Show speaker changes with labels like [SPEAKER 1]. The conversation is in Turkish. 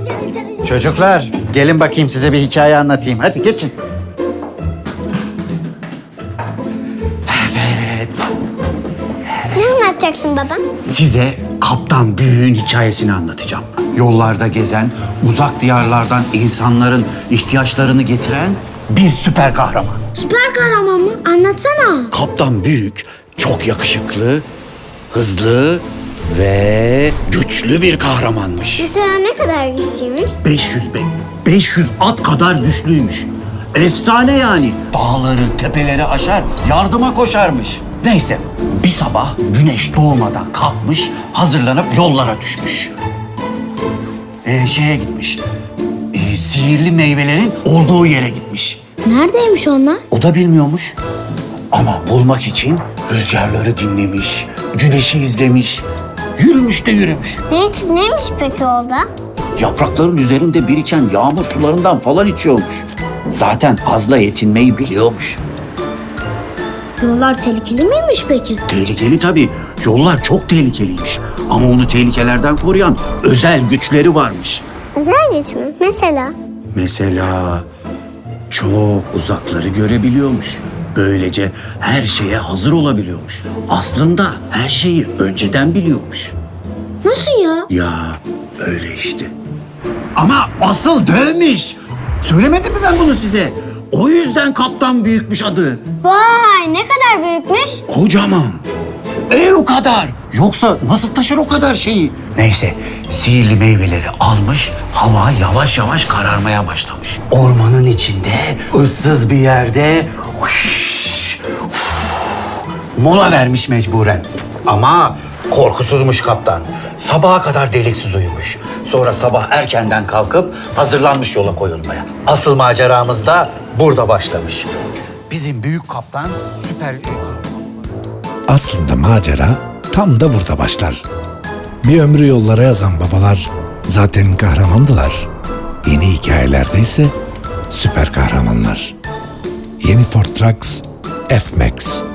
[SPEAKER 1] Çocuklar, gelin bakayım size bir hikaye anlatayım. Hadi geçin. Evet.
[SPEAKER 2] Ne anlatacaksın baba?
[SPEAKER 1] Size Kaptan Büyük'ün hikayesini anlatacağım. Yollarda gezen, uzak diyarlardan insanların ihtiyaçlarını getiren bir süper kahraman.
[SPEAKER 2] Süper kahraman mı? Anlatsana.
[SPEAKER 1] Kaptan Büyük çok yakışıklı, hızlı ve güçlü bir kahramanmış.
[SPEAKER 2] Mesela ne kadar güçlüymüş?
[SPEAKER 1] 500 at kadar güçlüymüş. Efsane yani. Dağları, tepeleri aşar, yardıma koşarmış. Neyse, bir sabah güneş doğmadan kalkmış, hazırlanıp yollara düşmüş. Şeye gitmiş, sihirli meyvelerin olduğu yere gitmiş.
[SPEAKER 2] Neredeymiş onlar?
[SPEAKER 1] O da bilmiyormuş. Ama bulmak için rüzgarları dinlemiş, güneşi izlemiş, yürümüş de yürümüş.
[SPEAKER 2] Neymiş peki orada?
[SPEAKER 1] Yaprakların üzerinde biriken yağmur sularından falan içiyormuş. Zaten azla yetinmeyi biliyormuş.
[SPEAKER 2] Yollar tehlikeli miymiş peki?
[SPEAKER 1] Tehlikeli tabii. Yollar çok tehlikeliymiş. Ama onu tehlikelerden koruyan özel güçleri varmış.
[SPEAKER 2] Özel güç mü?
[SPEAKER 1] Mesela çok uzakları görebiliyormuş. Böylece her şeye hazır olabiliyormuş. Aslında her şeyi önceden biliyormuş.
[SPEAKER 2] Nasıl ya?
[SPEAKER 1] Ya öyle işte. Ama asıl dövmüş. Söylemedim mi ben bunu size? O yüzden Kaptan Büyükmüş adı.
[SPEAKER 2] Vay ne kadar büyükmüş.
[SPEAKER 1] Kocaman. O kadar. Yoksa nasıl taşır o kadar şeyi? Neyse, sihirli meyveleri almış, hava yavaş yavaş kararmaya başlamış. Ormanın içinde, ıssız bir yerde mola vermiş mecburen. Ama korkusuzmuş kaptan. Sabaha kadar deliksiz uyumuş. Sonra sabah erkenden kalkıp hazırlanmış yola koyulmaya. Asıl maceramız da burada başlamış. Bizim büyük kaptan süper...
[SPEAKER 3] Aslında macera tam da burada başlar. Bir ömrü yollara yazan babalar zaten kahramandılar. Yeni hikayelerde ise süper kahramanlar. Yeni Ford Trucks F-Max.